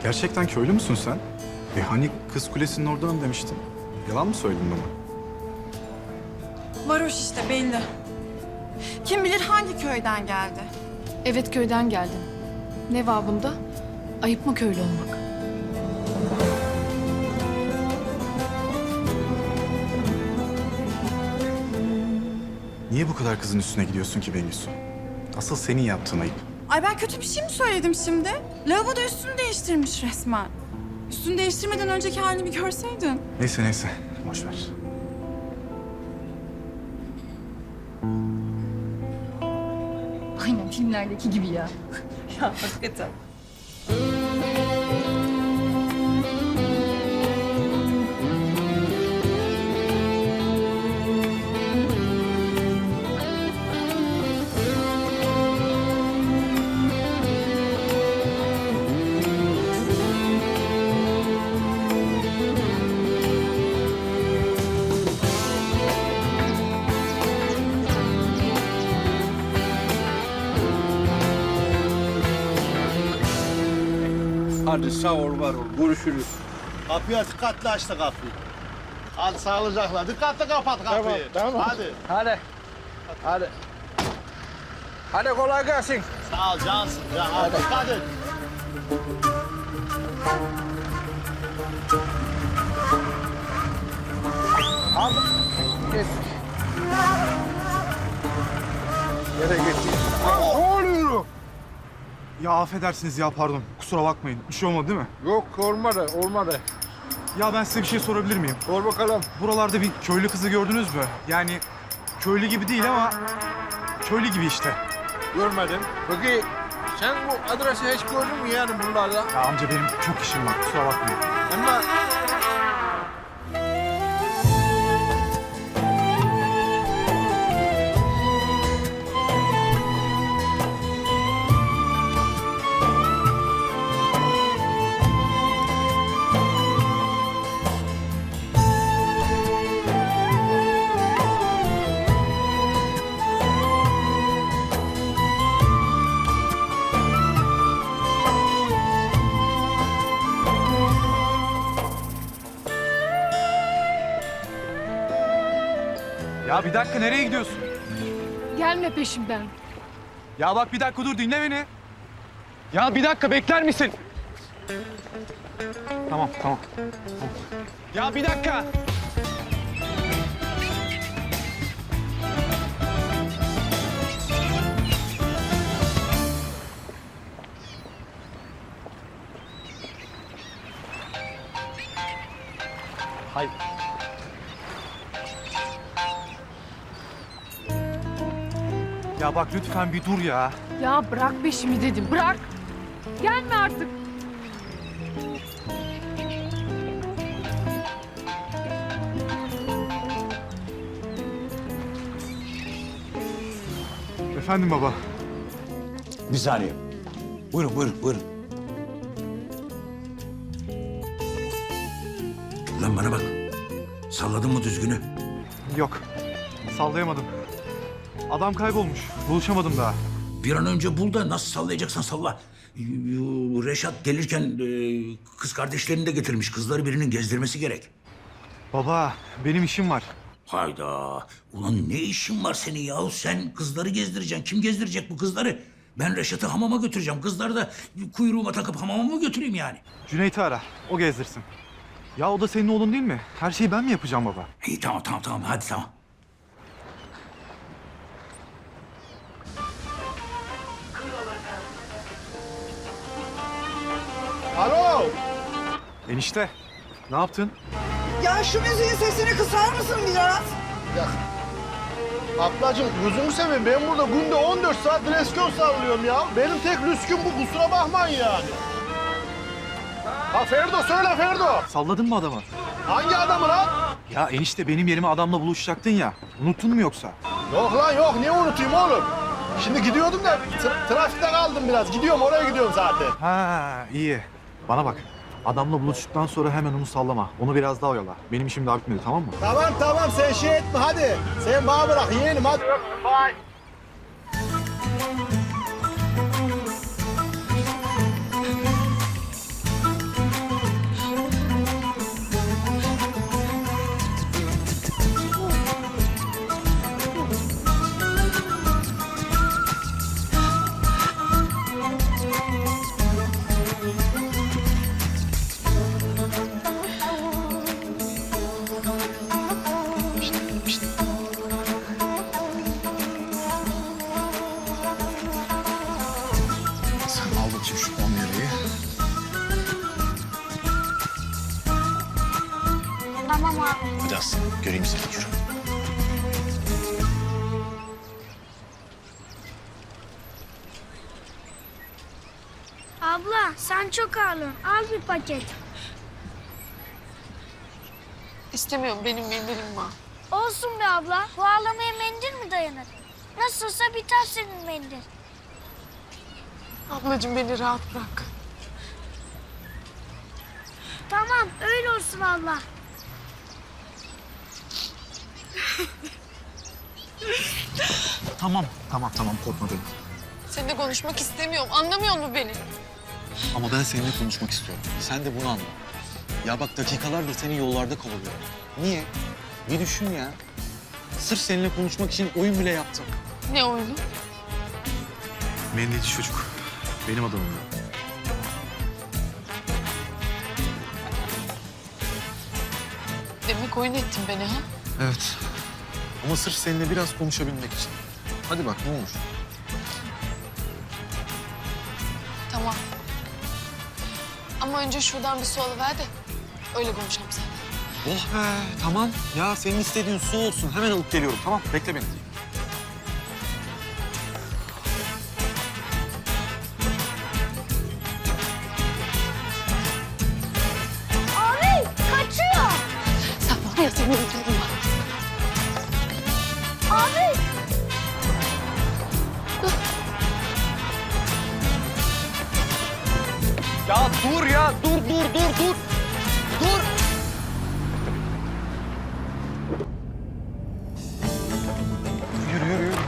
Gerçekten köylü müsün sen? Hani Kız Kulesi'nin oradan demiştin. Yalan mı söyledin bana? Varoş işte belli. Kim bilir hangi köyden geldi. Evet, köyden geldim. Ne var bunda? Ayıp mı köylü olmak? Niye bu kadar kızın üstüne gidiyorsun ki Bengüsü? Asıl senin yaptığın ayıp. Ay ben kötü bir şey mi söyledim şimdi? Lavaboda üstünü değiştirmiş resmen. Üstünü değiştirmeden önceki halini bir görseydin. Neyse, boş ver. Aynen filmlerdeki gibi ya. Ya hakikaten. Hadi sağ ol, var ol. Görüşürüz. Kapıya dikkatli açtı kapıyı. Hadi sağlıcakla. Dikkatli kapat kapıyı. Tamam. Hadi. Hadi. Hadi kolay gelsin. Sağ ol cansın. Ya, hadi. Dikkat et. Hadi. Geç. Nereye geçtin? Ne oluyor? Ya affedersiniz ya pardon. Kusura bakmayın. Bir şey olmadı değil mi? Yok olmadı. Ya ben size bir şey sorabilir miyim? Sor bakalım. Buralarda bir köylü kızı gördünüz mü? Yani köylü gibi değil ama köylü gibi işte. Görmedim. Peki sen bu adresi hiç gördün mü yani bunlarda? Ya amca benim çok işim var. Kusura bakmayın. Ama Ya bir dakika nereye gidiyorsun? Gelme peşimden. Ya bak bir dakika dur dinle beni. Ya bir dakika bekler misin? Tamam. Ya bir dakika. Hayır. Ya bak lütfen bir dur ya. Ya bırak peşimi dedim, bırak. Gelme artık. Efendim baba. Bir saniye. Buyurun. Lan bana bak. Salladın mı düzgünü? Yok. Sallayamadım. Adam kaybolmuş. Buluşamadım daha. Bir an önce bul da nasıl sallayacaksan salla. Reşat gelirken kız kardeşlerini de getirmiş. Kızları birinin gezdirmesi gerek. Baba benim işim var. Hayda. Ulan ne işin var senin yahu? Sen kızları gezdireceksin. Kim gezdirecek bu kızları? Ben Reşat'ı hamama götüreceğim. Kızları da kuyruğuma takıp hamama mı götüreyim yani? Cüneyt'i ara. O gezdirsin. Ya o da senin oğlun değil mi? Her şeyi ben mi yapacağım baba? İyi tamam. Hadi tamam. Alo. Enişte. Ne yaptın? Ya şu müziğin sesini kısar mısın biraz? Ablacığım gözümü seveyim. Ben burada günde 14 saat reskon sallıyorum ya. Benim tek lüsküm bu. Kusura bakmayın yani. Ha Ferdo söyle Ferdo. Salladın mı adamı? Hangi adamı lan? Ya enişte benim yerime adamla buluşacaktın ya. Unuttun mu yoksa? Yok lan yok. Niye unutayım oğlum? Şimdi gidiyordum da trafikte kaldım biraz. Gidiyorum oraya gidiyorum zaten. Ha iyi. Bana bak. Adamla buluştuktan sonra hemen onu sallama. Onu biraz daha oyala. Benim işim daha bitmedi tamam mı? Tamam sen şey etme hadi. Sen bana bırak yeğenim hadi. Bye. bakayım şu 10 lirayı. Tamam abi. Hadi Aslı göreyim seni yürü. Abla sen çok ağlıyorsun. Al bir paket. İstemiyorum, benim mendilim var. Olsun be abla. Bu ağlamaya mendil mi dayanır? Nasılsa biter senin mendil. Ablacığım beni rahat bırak. Tamam öyle olsun abla. Tamam korkma benim. Seninle konuşmak istemiyorum, anlamıyor musun beni? Ama ben seninle konuşmak istiyorum. Sen de bunu anla. Ya bak dakikalardır seni yollarda kovalıyorum. Niye? Bir düşün ya. Sırf seninle konuşmak için oyun bile yaptım. Ne oyunu? Mendilci çocuk. Benim adamım. Demek oyun ettin beni ha? Evet. Ama sırf seninle biraz konuşabilmek için. Hadi bak ne olur. Tamam. Ama önce şuradan bir su alıver de öyle konuşalım seninle. Oh be tamam. Ya senin istediğin su olsun. Hemen alıp geliyorum tamam. Bekle beni. Abi kaçıyor. Sen var ya seni öldürürüm bak. Abi. Ya dur ya. Dur. Dur. Yürü.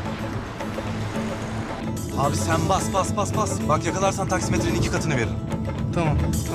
Abi sen bas. Bak yakalarsan taksimetrenin 2 katını veririm. Tamam.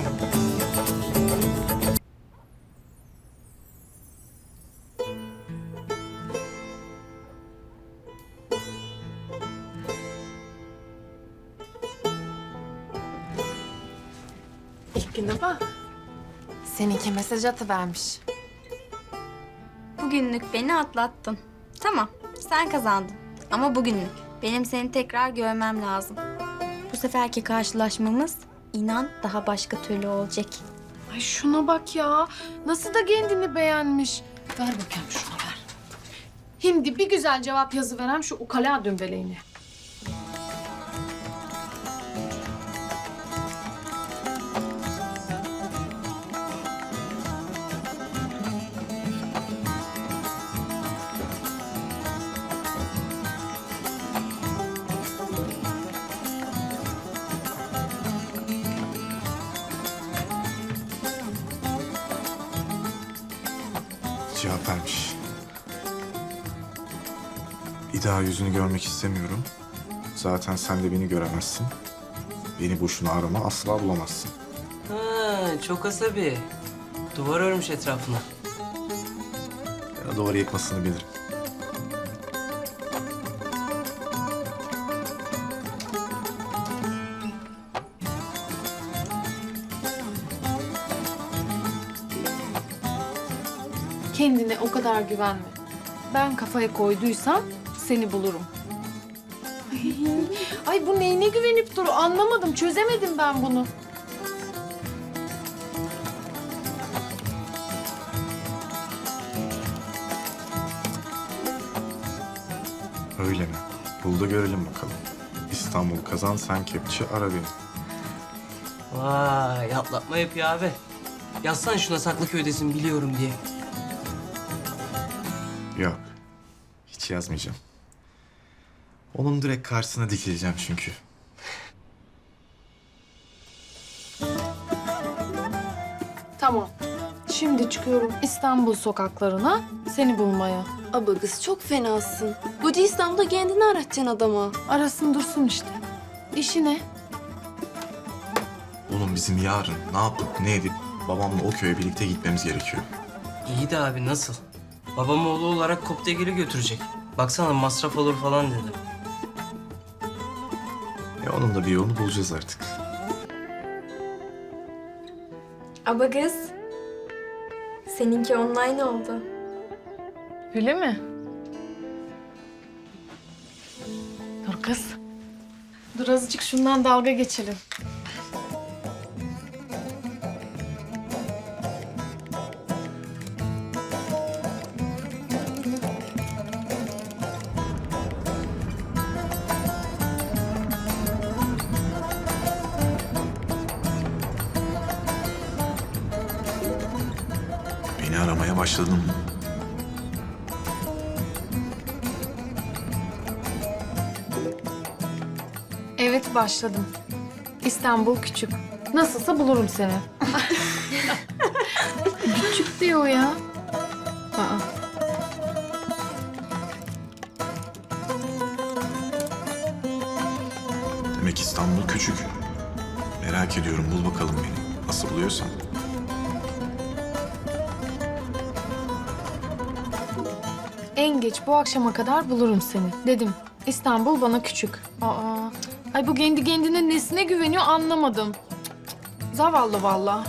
İlk güne bak. Seninki mesaj atıvermiş. Bugünlük beni atlattın. Tamam, sen kazandın. Ama bugünlük. Benim seni tekrar görmem lazım. Bu seferki karşılaşmamız inan daha başka türlü olacak. Ay şuna bak ya. Nasıl da kendini beğenmiş. Ver bakayım şuna ver. Şimdi bir güzel cevap yazıverem şu ukala dümbeleğine. Cevap vermiş. Bir daha yüzünü görmek istemiyorum. Zaten sen de beni göremezsin. Beni boşuna arama, asla bulamazsın. Ha, çok asabi. Duvar örmüş etrafına. Ya da duvarı yıkmasını bilirim. Kendine o kadar güvenme. Ben kafaya koyduysam seni bulurum. Ay bu neyine güvenip duru anlamadım, çözemedim ben bunu. Öyle mi? Bul da görelim bakalım. İstanbul kazan, sen kepçe, ara beni. Vay, atlatma yapıyor abi. Yazsana şuna Saklıköy'desin biliyorum diye. Yok, hiç yazmayacağım. Onun direkt karşısına dikileceğim çünkü. Tamam. Şimdi çıkıyorum İstanbul sokaklarına seni bulmaya. Aba kız çok fenasın. Koca İstanbul'da kendini aratacaksın adama. Arasın dursun işte. İşi ne? Oğlum bizim yarın ne yapıp ne edip babamla o köye birlikte gitmemiz gerekiyor. İyi de abi nasıl? Babam oğlu olarak Koptegil'i götürecek. Baksana masraf olur falan dedi. Onun da bir yolunu bulacağız artık. Aba kız, seninki online oldu. Öyle mi? Dur kız. Dur azıcık şundan dalga geçelim. Beni aramaya başladın mı? Evet başladım. İstanbul küçük. Nasılsa bulurum seni. Küçük diyor ya. Aa. Demek İstanbul küçük. Merak ediyorum, bul bakalım beni. Nasıl buluyorsan. En geç bu akşama kadar bulurum seni. Dedim. İstanbul bana küçük. Aa. Ay bu kendi kendine nesine güveniyor anlamadım. Zavallı vallahi.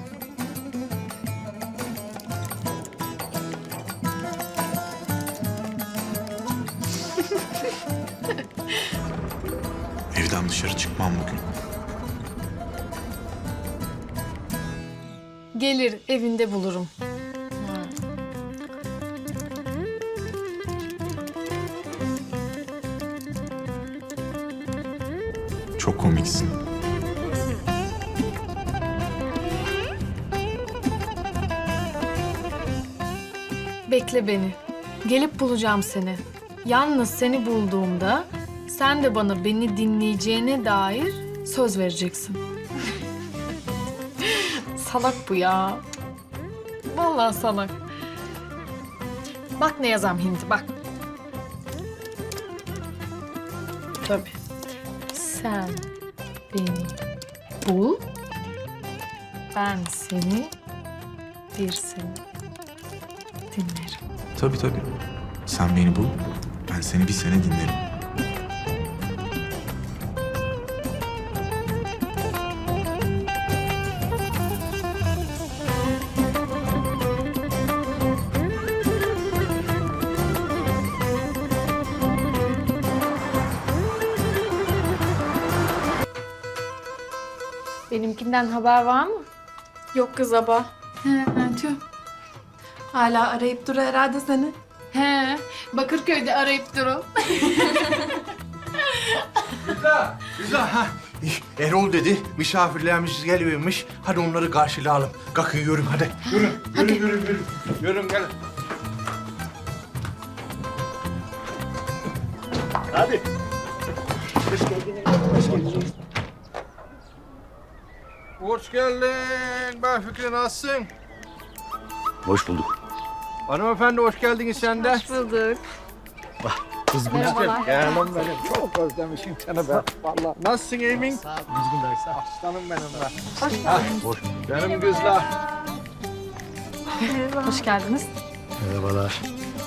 Evden dışarı çıkmam bugün. Gelir evinde bulurum. Çok komiksin. Bekle beni. Gelip bulacağım seni. Yalnız seni bulduğumda sen de bana beni dinleyeceğine dair söz vereceksin. Salak bu ya. Vallahi salak. Bak ne yazam Hindi bak. Tabii. Sen beni bul. Ben seni bir sene dinlerim. Tabii tabii. Sen beni bul, ben seni bir sene dinlerim. Benimkinden haber var mı? Yok kız aba. He, tüh. Hala arayıp dur herhalde seni. He, Bakırköy'de arayıp durun. Güzel ha. Erol dedi, misafirlerimiz geliyormuş. Hadi onları karşılayalım. Kalkın yürüm hadi. Yürün. Yürün gelin. Hadi. Hoş geldin. Ben Fikri, nasılsın? Hoş bulduk. Hanımefendi hoş geldiniz sen de. Hoş bulduk. Kız Merhabalar. Canım benim. Çok özlemişim seni be. Vallahi. Nasılsın Emin? Aslanım benim be. Hoş Benim kızlar. Hoş geldiniz. Merhabalar.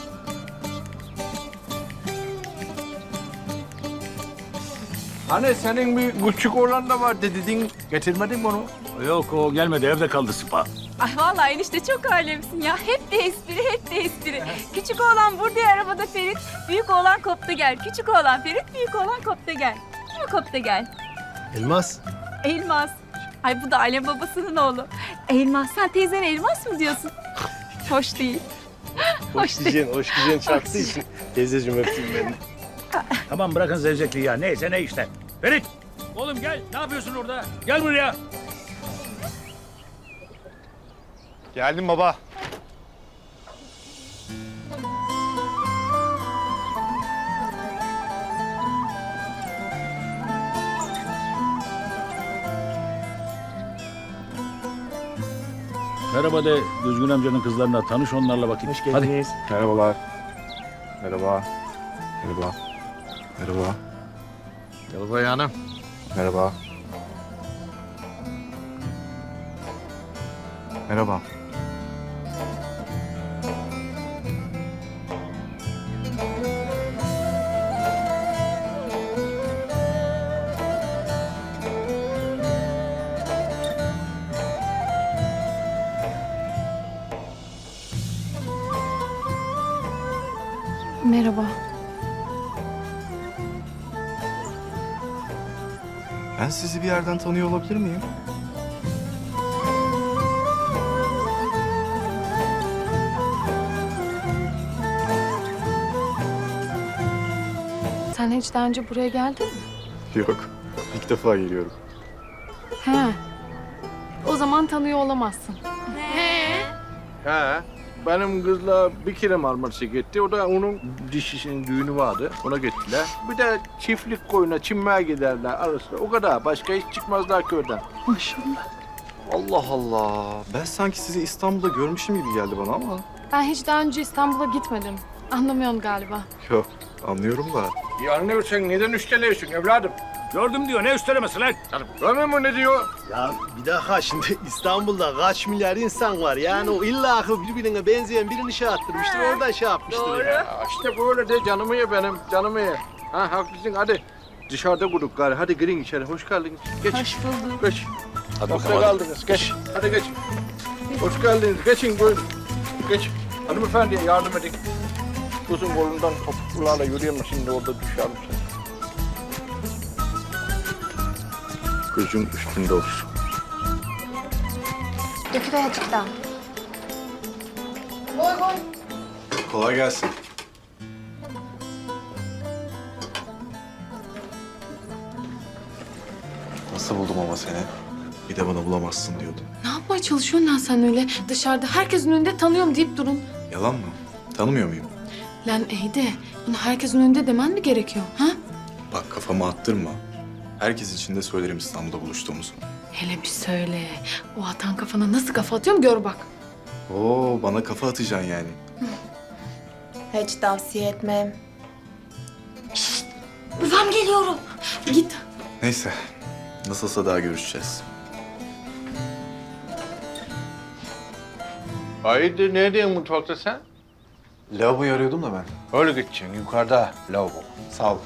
Hani senin bir küçük oğlan da var dedin. Getirmedin mi onu? Yok o gelmedi evde kaldı Sıpa. Ay vallahi enişte çok alemsin ya. Hep de espri. Küçük oğlan burada ya, arabada Ferit. Büyük oğlan kopta gel. Küçük oğlan Ferit, büyük oğlan kopta gel. Değil mi kopta gel? Elmas. Elmas. Ay bu da Alem babasının oğlu. Elmas, sen teyzene Elmas mı diyorsun? Hoş değil. Hoş değil. Hoş güzel çarptığı için. Teyzeciğim öptüm beni. Tamam bırakın zevzekliği ya. Neyse ne işte. Ferit! Oğlum gel. Ne yapıyorsun orada? Gel buraya. Geldim baba. Merhaba de Düzgün amcanın kızlarına tanış onlarla bakayım. Hoş geldiniz. Merhabalar. Merhaba. Merhaba. Merhaba. Merhaba hanım. Merhaba. Merhaba. Merhaba. Ben sizi bir yerden tanıyor olabilir miyim? Sen hiç daha önce buraya geldin mi? Yok. İlk defa geliyorum. He. O zaman tanıyor olamazsın. He. Benim kızla bir kere Marmaris'e gitti. O da onun dişisinin düğünü vardı. Ona gittiler. Bir de çiftlik koyuna çinmeye giderler arasında. O kadar. Başka hiç çıkmazlar köyden. Maşallah. Allah Allah. Ben sanki sizi İstanbul'da görmüşüm gibi geldi bana ama. Ben hiç daha önce İstanbul'a gitmedim. Anlamıyorsun galiba. Yok, anlıyorum da. Ya anlıyorsun neden üsteliyorsun evladım? Gördüm diyor. Ne üstelemesi lan? Görmüyor musun ne diyor? Ya bir dakika şimdi İstanbul'da kaç milyar insan var. Yani o illa akıl birbirine benzeyen birini şey attırmıştır. Oradan şey yapmıştır. Ya. Ya işte böyle de canımı ye benim, canımı ye. Ha haklısın hadi. Dışarıda kurduk gari. Hadi girin içeri. Hoş geldiniz. Geç. Hoş bulduk. Geç. Hadi Sofra bakalım. kaldınız. Geç. Hadi geç. Hoş geldiniz. Geçin buyurun. Geç. Hanımefendiye yardım edin. Kızın kolundan topuklarla yürüyemez. Şimdi orada düşer misin? Gözün üstünde olsun. Döküver azıcık daha. Kolay gelsin. Nasıl buldum ama seni? Bir de bana bulamazsın diyordun. Ne yapmaya çalışıyorsun lan sen öyle? Dışarıda herkesin önünde tanıyorum deyip durun. Yalan mı? Tanımıyor muyum? Lan iyi de bunu herkesin önünde demen mi gerekiyor? Ha? Bak kafamı attırma. Herkes için de söylerim İstanbul'da buluştuğumuzu. Hele bir söyle. O atan kafana nasıl kafa atıyorum gör bak. Oo, bana kafa atacaksın yani. Hiç tavsiye etmem. Babam geliyorum. Git. Neyse. Nasılsa daha görüşeceğiz. Haydi ne diyorsun mutfakta sen? Lavaboyu arıyordum da ben. Öyle gideceksin. Yukarıda lavabo. Sağ ol.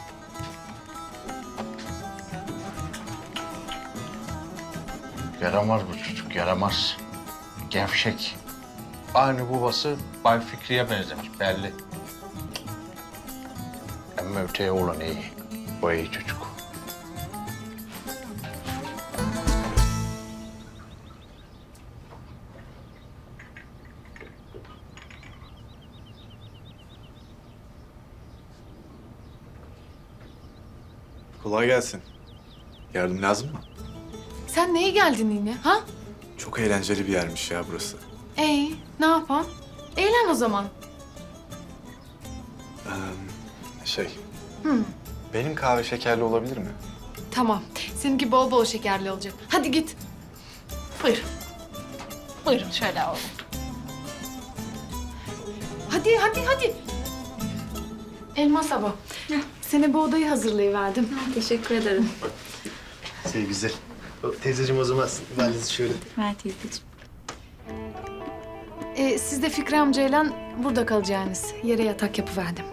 Yaramaz bu çocuk, yaramaz. Gevşek. Aynı babası Bay Fikri'ye benzemiş belli. Ama öteye olan iyi. O iyi çocuk. Kolay gelsin. Yardım lazım mı? Sen neye geldin yine ha? Çok eğlenceli bir yermiş ya burası. Ne yapalım? Eğlen o zaman. Şey... Benim kahve şekerli olabilir mi? Tamam. Seninki bol bol şekerli olacak. Hadi git. Buyur. Buyurun şöyle alalım. Hadi. Elmas abla. Sana bu odayı hazırlayıverdim. Teşekkür ederim. Şey güzel. Teyzeciğim o zaman valizi şöyle. Ver teyzeciğim. Siz de Fikri amcayla burada kalacaksınız. Yere yatak yapıverdim.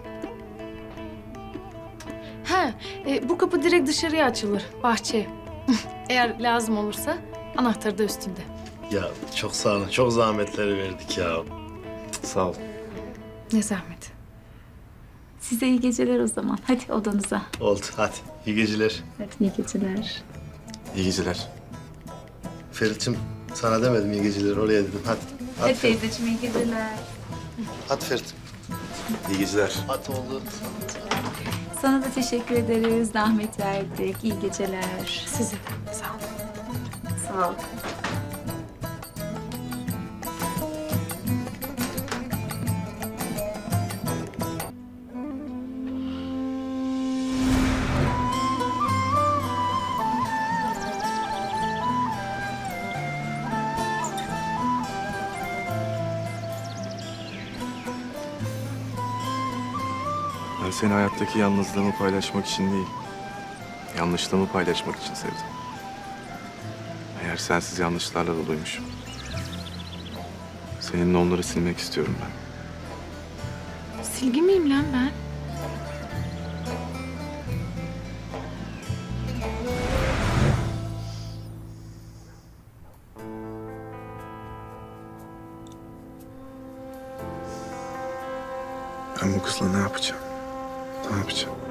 Bu kapı direkt dışarıya açılır. Bahçeye. Eğer lazım olursa anahtarı da üstünde. Ya çok sağ olun. Çok zahmetleri verdik ya. Sağ ol. Ne zahmet. Size iyi geceler o zaman. Hadi odanıza. Oldu. Hadi. İyi geceler. Hadi iyi geceler. İyi geceler. Ferit'ciğim sana demedim iyi geceler. Oraya dedim. Hadi. Hadi teyzeciğim iyi geceler. Hadi Ferit. İyi geceler. Hadi oldu. Sana da teşekkür ederiz. Zahmet verdik. İyi geceler. Size de sağ olun. Sağ ol. Ben seni hayattaki yalnızlığımı paylaşmak için değil, yanlışlığımı paylaşmak için sevdim. Eğer sensiz yanlışlarla doluymuşum. Seninle onları silmek istiyorum ben. Silgi miyim lan ben? Ben bu kızla ne yapacağım? Ne yapacağım?